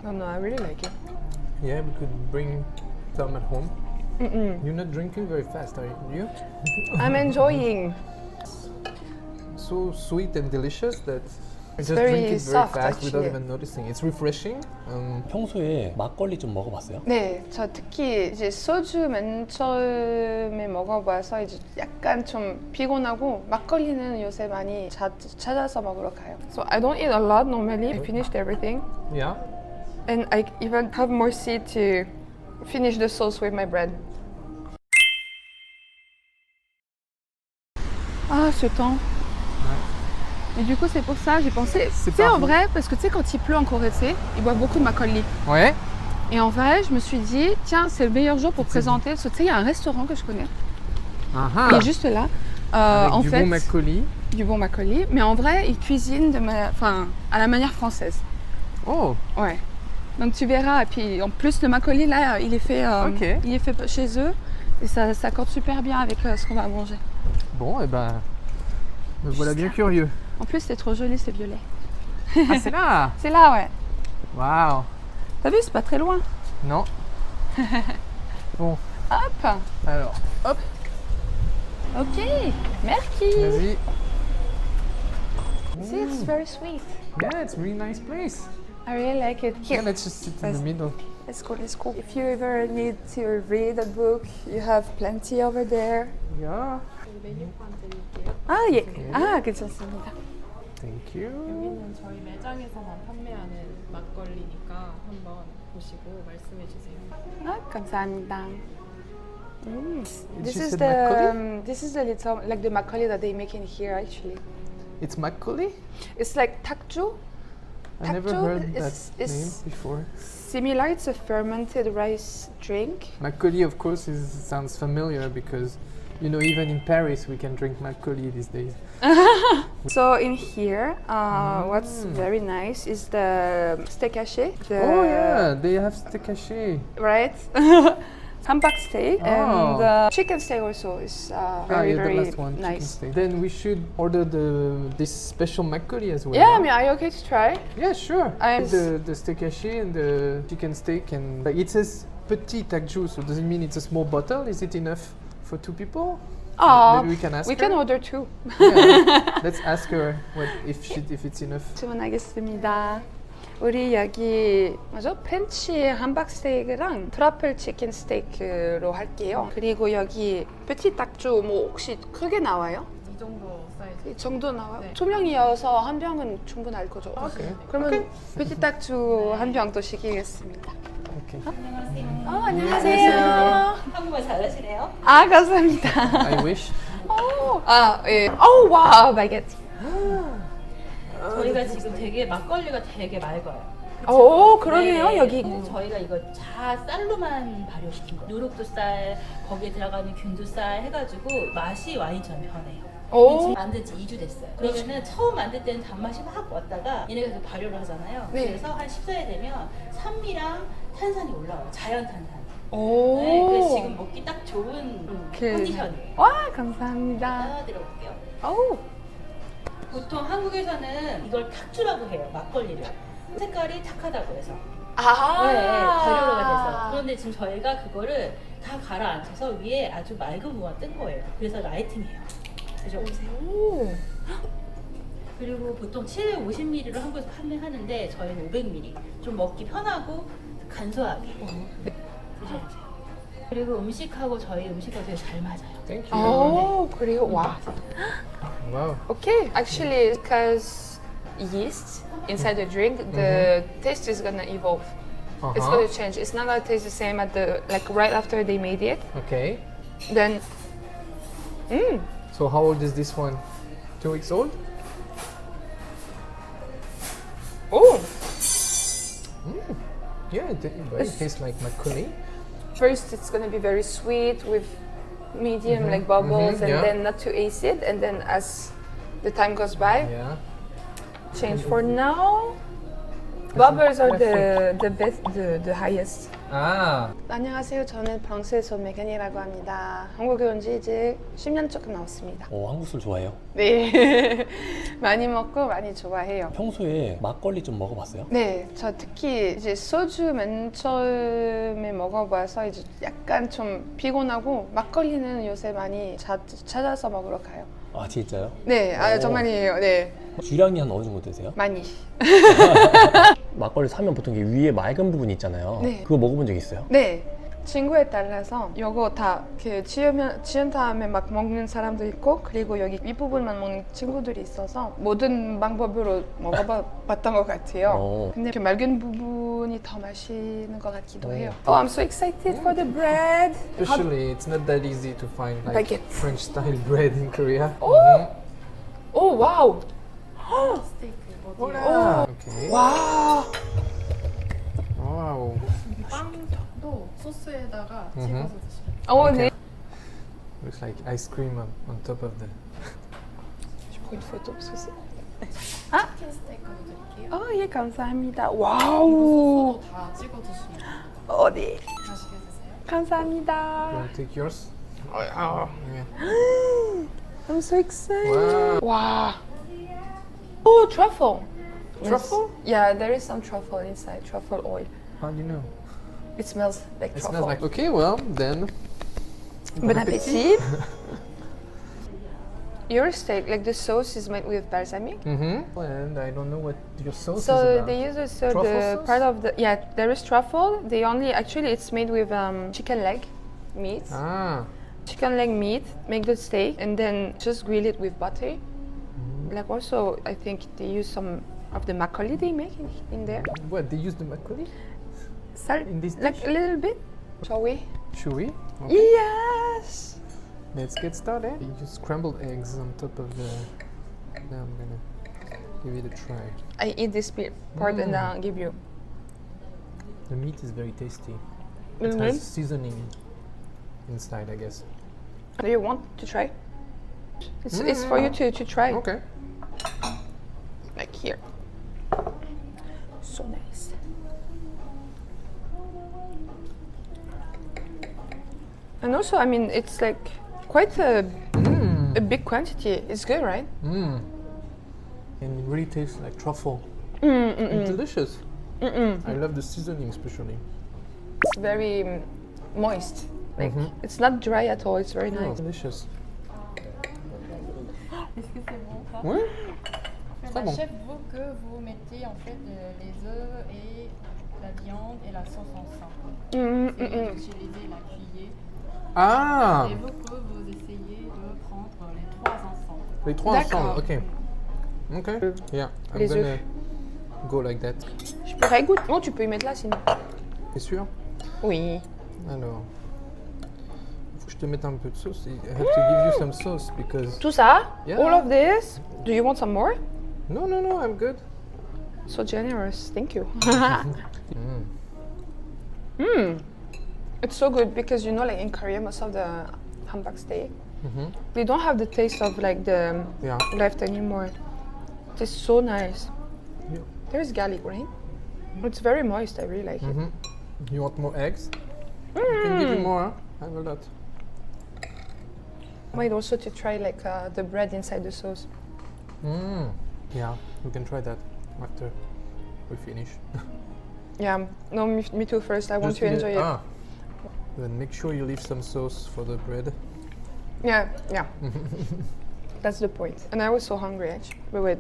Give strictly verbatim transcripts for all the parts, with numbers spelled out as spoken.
Oh no, I really like it. Yeah, we could bring some at home. Mm-mm. You're not drinking very fast, are you? I'm enjoying. So sweet and delicious that I It's just very drink it very soft, fast without actually. even noticing. It's refreshing. Um, 평소에 막걸리 좀 먹어봤어요? 네, 저 특히 이제 소주 맨 처음에 먹어봐서 이제 약간 좀 피곤하고 막걸리는 요새 많이 자, 찾아서 먹으러 가요. So I don't eat a lot normally. I finished everything, yeah. and I even have more seed to finish the sauce with my bread. Ah, ce temps. Et du coup, c'est pour ça, j'ai pensé. C'est Tu sais, en pas- vrai, parce que tu sais, quand il pleut en Corée, tu sais, ils boivent beaucoup de makgeolli. Ouais. Et en vrai, je me suis dit, tiens, c'est le meilleur jour pour présenter. Parce que tu sais, il y a un restaurant que je connais. Ah Il est juste là. Euh, Avec en du fait, bon makgeolli. du bon makgeolli. Mais en vrai, ils cuisinent de ma... enfin, à la manière française. Oh. Ouais. Donc tu verras. Et puis en plus, le makgeolli, là, il est fait, euh, Ok. il est fait chez eux. Et ça s'accorde super bien avec euh, ce qu'on va manger. Bon, et ben, me voilà bien curieux. En plus, c'est trop joli, c'est violet. Ah, c'est là. C'est là, ouais. Waouh. T'as vu, c'est pas très loin. Non. Bon, Hop. alors, hop, Ok. Merci. vas-y. See, it's very sweet. Yeah, it's a really nice place. I really like it. Here. Yeah, let's just sit in the Vas-y. middle. Let's go, let's go. If you ever need to read a book, you have plenty over there. Yeah. 메뉴판 드릴게요. 아, 예. 아, 괜찮습니다. Thank you. 여기는 저희 매장에서만 판매하는 막걸리니까 한번 보시고 말씀해 주세요. 아, 감사합니다. Mm. This She is said the makgeolli? um, this is the little like the makgeolli that they make in here actually. It's makgeolli? It's like takju. I never Takju heard that is- is- name before. Similar, it's a fermented rice drink. Makgeolli, of course, is, sounds familiar because, you know, even in Paris we can drink makgeolli these days. So in here, uh, what's Mm. very nice is the steak haché. The, Oh yeah, they have steak haché. Right? Hamburg steak Oh. and uh, chicken steak also is uh, Ah, very yeah, very the last one, chicken nice. steak. Then we should order the this special makgeolli as well. Yeah, I mean, are you okay to try? Yeah, sure. I- the the steak haché and the chicken steak and like, it says petit takju, so does it mean it's a small bottle? Is it enough for two people? Oh, Maybe we can ask we her. can order two. Yeah, let's ask her what if she if it's enough. 주문하겠습니다. 우리 여기 뭐죠? 팬치 함박 스테이크랑 트러플 치킨 스테이크로 할게요. 그리고 여기 petit 딱주 뭐 혹시 크게 나와요? 이 정도 사이즈. 이 정도 나와요? 네. 두 명이어서 한 병은 충분할 거죠? Okay. 그러면 petit 딱주 한 병 또 시키겠습니다. Okay. 어, 안녕하세요. 한국말 잘하시네요. 아, 감사합니다. I wish. 오, 아, 예. 오, 와우, 바게트. 저희가 지금 되게 막걸리가 되게 맑아요. 오, 그러네요, 네, 여기. 네, 저희가 이거 다 쌀로만 발효시킨 거예요. 누룩도 쌀, 거기에 들어가는 균도 쌀 해가지고 맛이 와인처럼 변해요. 오. 지금 만든 지 이 주 됐어요. 그러면은 처음 만들 때는 단맛이 확 왔다가 얘네가 계속 발효를 하잖아요. 네. 그래서 한 십 사일 되면 산미랑 탄산이 올라와요. 자연 탄산. 오. 네, 그래서 지금 먹기 딱 좋은 그- 컨디션이에요. 와, 감사합니다. 따라드려 볼게요. 오. 보통 한국에서는 이걸 탁주라고 해요. 막걸리를. 색깔이 탁하다고 해서. 아. 네, 발효가 돼서. 그런데 지금 저희가 그거를 다 가라앉혀서 위에 아주 맑은 무가 뜬 거예요. 그래서 라이팅이에요. 드셔보세요. 오. 그리고 보통 칠백오십 밀리리터로 한국에서 판매하는데 저희는 오백 밀리리터. 좀 먹기 편하고 간소하게 드셔보세요. 그리고 음식하고 저희 음식하고 되게 잘 맞아요. Thank you. 오, 그래요? 와. Wow. Okay, actually, because yeast inside the drink, the taste is gonna evolve. It's Uh-huh. gonna change. It's not gonna taste the same at the like right after they made it. Okay. Then, mm, So how old is this one? Two weeks old? oh, Yeah, it, it, it tastes like makgeolli. first it's gonna be very sweet with medium like bubbles, Mhm, and yeah. then not too acid, and then as the time goes by, Yeah. change. For now, Bubbles are the the best, the the highest. Ah. 안녕하세요. 저는 프랑스에서 온 메간이라고 합니다. 한국에 온 지 이제 십 년 조금 넘었습니다. 어, 한국 술 좋아해요? 네, 많이 먹고 많이 좋아해요. 평소에 막걸리 좀 먹어봤어요? 네, 저 특히 이제 소주 맨 처음에 먹어봐서 이제 약간 좀 피곤하고 막걸리는 요새 많이 자, 찾아서 먹으러 가요. 아 진짜요? 네, 아 오. 정말이에요. 네, 주량이 한 어느 정도 되세요? 많이. 막걸리 사면 보통 이게 위에 맑은 부분이 있잖아요. 네. 그거 먹어본 적 있어요? 네, 친구에 따라서 이거 다 이렇게 지으면 지은 다음에 막 먹는 사람도 있고 그리고 여기 윗부분만 먹는 친구들이 있어서 모든 방법으로 먹어봤던 것 같아요. 어. 근데 그 맑은 부분이 더 맛있는 것 같기도 오. 해요. Oh, I'm so excited for the bread. Especially, it's not that easy to find like Baguette. French style bread in Korea. Oh. Oh, wow. Hola. Okay. 와. Wow. 빵도 소스에다가 음흠. 찍어서 드시면 어, 네. Looks like ice cream on, on top of the. Je prends une photo parce que c'est. 치킨 스테이크도 드릴게요. 어, 예, 감사합니다. 와우. 소스도 다 찍어 드시면 됩니다. 어, 네. 맛있게 드세요. You 감사합니다. want to take yours? 어, 어. Yeah. I'm so excited. Wow. Wow. Oh, truffle. Truffle? Yeah, there is some truffle inside, truffle oil. How do you know? It smells like It truffle. smells like. Okay, well then. Bon appétit. Your steak, like the sauce is made with balsamic. Mm-hmm. And I don't know what your sauce is So about. they use also Truffle the sauce? part of the yeah. There is truffle. They only actually it's made with um, chicken leg meat. Ah. Chicken leg meat. Make the steak and then just grill it with butter. Like also, I think they use some of the makgeolli they make in, in there. What, they use the makgeolli? Salt, In this like dish? a little bit. Shall we? Chewy. Okay. Yes. Let's get started. You use scrambled eggs on top of the. Now I'm gonna give it a try. I eat this bit part and Mm. I'll give you. The meat is very tasty. It Mhm. has seasoning inside, I guess. Do you want to try? It's, it's for you to, to try. Okay. Like here. So nice. And also, I mean, it's like quite a, Mmm. a big quantity. It's good, right? Mmm. And it really tastes like truffle. Mm, mm, It's mm. delicious. Mm, mm. I love the seasoning, especially. It's very mm, moist. Like Mhm. it's not dry at all. It's very Oh, nice. delicious. Est-ce que c'est bon ça Oui. Bah, Très bon. Chef veut que vous mettez en fait euh, les œufs et la viande et la sauce ensemble. Mm, mm, Et mm, mm. vous utilisez la cuillère Ah. et veut que vous essayez de prendre les trois ensemble. Les trois D'accord. ensemble. Okay. Okay. Yeah. I'm Les gonna œufs. go like that. Je pourrais goûter. Non, tu peux y mettre là sinon. T'es sûr? Oui. Alors. Faut que je te mette un peu de sauce. I have to give you some sauce because. Tout ça? Yeah. All of this? Do you want some more? No, no, no. I'm good. So generous. Thank you. Mm. Mm. It's so good because you know, like in Korea, most of the hamburg steak, Mhm. they don't have the taste of like the Yeah. left anymore. It's so nice. Yeah. There's garlic, right? It's very moist. I really like it. Mhm. You want more eggs? I can give you more. Huh? I have a lot. Might also to try like uh, the bread inside the sauce. Mm. Yeah, we can try that after we finish. Yeah. No, me, me too. First, I want Just to eat enjoy it. Ah. Then make sure you leave some sauce for the bread. Yeah, yeah. That's the point. And I was so hungry actually. But wait.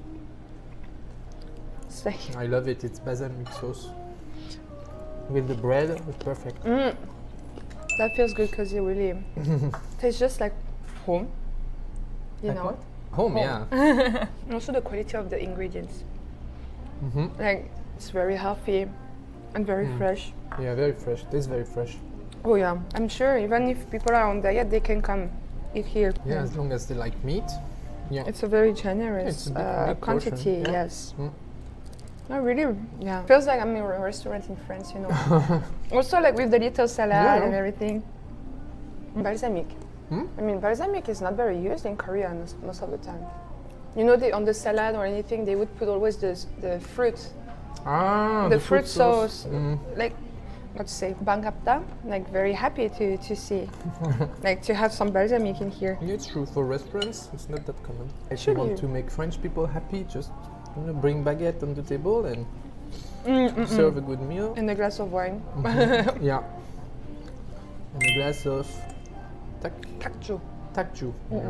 It's like, I love it. It's balsamic sauce with the bread. It's perfect. mm, that feels good because it really tastes just like home. You Like know? what? Home, yeah. And also the quality of the ingredients. Mhm. Like, it's very healthy and very Mm. fresh. Yeah, very fresh. Tastes very fresh. Oh yeah, I'm sure even if people are on diet, they can come eat here. Yeah, as long as they like meat. Yeah. It's a very generous It's a big- uh, big portion, quantity, yeah. yes. Mm. I really, yeah. Feels like I'm in a restaurant in France, you know. Also like with the little salad Yeah. and everything. Balsamic. Hmm? I mean, balsamic is not very used in Korea most- most of the time. You know, they, on the salad or anything, they would put always the, the fruit Ah, the, fruit sauce, Mm. like let's say bangapta, like very happy to to see, like to have some balsamic in here. Yeah, it's true. For restaurants, it's not that common. If Should you want you? to make French people happy, just you know, bring baguette on the table and Mm, mm, serve mm. a good meal. And a glass of wine. Yeah. And a glass of tak Takju. takju. Yeah.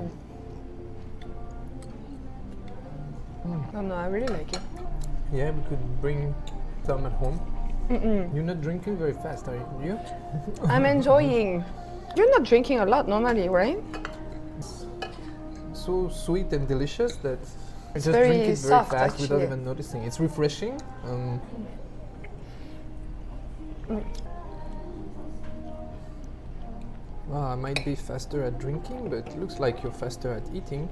Oh no, I really like it. Yeah, we could bring some at home. Mm-mm. You're not drinking very fast, are you? I'm enjoying. You're not drinking a lot normally, right? So sweet and delicious that I just very drink it very soft, fast without actually. even noticing. It's refreshing. Um, well, I might be faster at drinking, but it looks like you're faster at eating.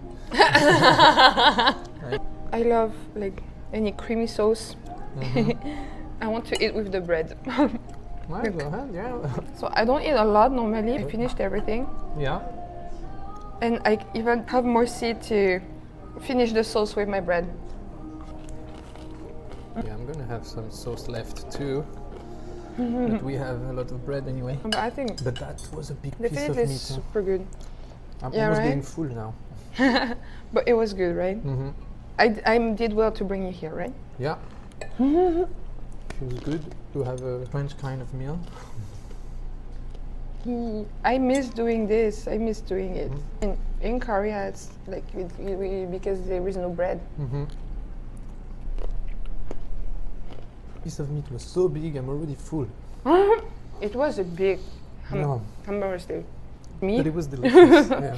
I love like any creamy sauce. Mhm. I want to eat with the bread. Well, go ahead, yeah. So I don't eat a lot normally. I finished everything. Yeah. And I even have more seed to finish the sauce with my bread. Yeah, I'm gonna have some sauce left too. But we have a lot of bread anyway. But I think But that was a big piece of definitely meat. is huh? super good. I'm Yeah, almost right? getting full now. But it was good, right? Mm-hmm. I, d- I did well to bring you here, right? Yeah. Feels good to have a French kind of meal. Mm, I miss doing this. I miss doing it. In, in Korea, it's like we, we, we, because there is no bread. Mm-hmm. Piece of meat was so big, I'm already full. It was a big ham- No. hamburger steak. Me? But it was delicious. yeah.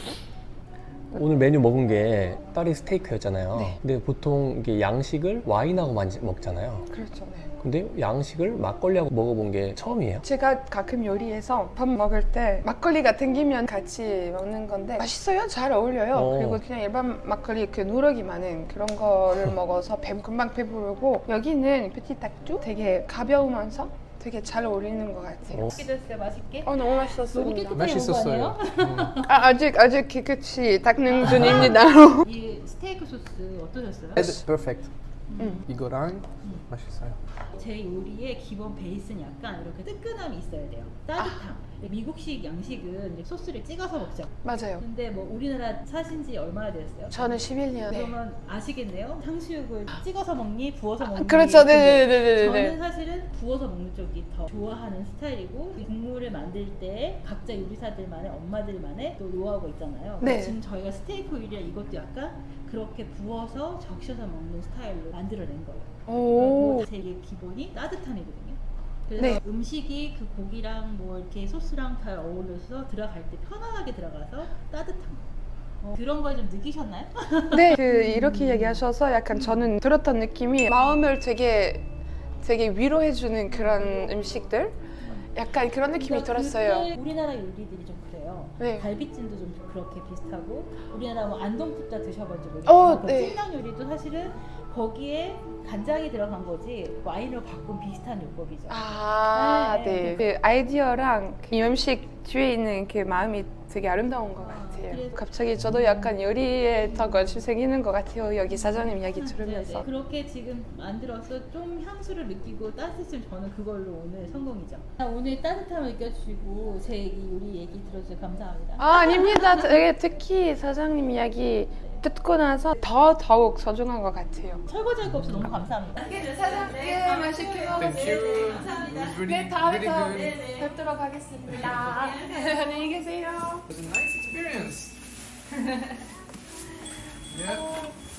오늘 메뉴 먹은 게 딸이 스테이크였잖아요. 네. 근데 보통 이게 양식을 와인하고 많이 먹잖아요. 그렇죠. 네. 근데 양식을 막걸리하고 먹어본 게 처음이에요. 제가 가끔 요리해서 밥 먹을 때 막걸리가 땡기면 같이 먹는 건데 맛있어요. 잘 어울려요. 어. 그리고 그냥 일반 막걸리 그 누러기 많은 그런 거를 먹어서 배, 금방 배부르고 여기는 페티탁주 되게 가벼우면서 되게 잘 어울리는 것 같아요. 어. 맛있게 됐어요, 맛있게. 어, 너무 너무 맛있었습니다. 깨끗하게 맛있었어요. 먹은 거 아니에요? 음. 아, 아직 아직 깨끗이 닦는 중입니다. 이 스테이크 소스 어떠셨어요? It's perfect. 음. 이거랑 맛있어요. 제 요리의 기본 베이스는 약간 이렇게 뜨끈함이 있어야 돼요. 따뜻함. 미국식 양식은 이제 소스를 찍어서 먹죠. 맞아요. 근데 뭐 우리나라 사신 지 얼마나 되셨어요? 저는 십일 년. 네. 그러면 아시겠네요? 탕수육을 찍어서 먹니? 부어서 먹니? 그렇죠. 근데 네네네네네. 저는 사실은 부어서 먹는 쪽이 더 좋아하는 스타일이고 이 국물을 만들 때 각자 요리사들만의 엄마들만의 또 노하우가 있잖아요. 네. 지금 저희가 스테이크 요리라 이것도 약간 그렇게 부어서 적셔서 먹는 스타일로 만들어낸 거예요. 오. 제 기본이 따뜻함이거든요. 그래서 네. 음식이 그 고기랑 뭐 이렇게 소스랑 잘 어울려서 들어갈 때 편안하게 들어가서 따뜻한 거. 어, 그런 걸 좀 느끼셨나요? 네, 그 이렇게 얘기하셔서 약간 저는 들었던 느낌이 마음을 되게 되게 위로해주는 그런 음식들, 약간 그런 느낌이 그러니까 들었어요. 그때 우리나라 요리들이 좀 그래요. 네. 갈비찜도 좀 그렇게 비슷하고 우리나라 뭐 안동푸다 드셔본 적 어, 있어요? 네. 찜닭 요리도 사실은 거기에 간장이 들어간 거지 와인으로 바꾼 비슷한 요법이죠. 아, 네. 네. 그 아이디어랑 그 음식 뒤에 있는 그 마음이 되게 아름다운 것 같아요. 그래서- 갑자기 저도 약간 요리에 더 관심 생기는 것 같아요. 여기 사장님 이야기 들으면서. 네네. 그렇게 지금 만들어서 좀 향수를 느끼고 따뜻했으면 저는 그걸로 오늘 성공이죠. 아, 오늘 따뜻함을 느껴주시고 제 얘기, 요리 얘기 들어주셔서 감사합니다. 아, 아닙니다. 되게 특히 사장님 이야기 듣고 나서 더 더욱 소중한 것 같아요. 설거지할 거 없어 너무 감사합니다. 사장님 맛있게 먹으세요. It was really, 네, 다음에 really 또 good. 뵙도록 하겠습니다. 안녕히 계세요. It was a nice experience. yeah.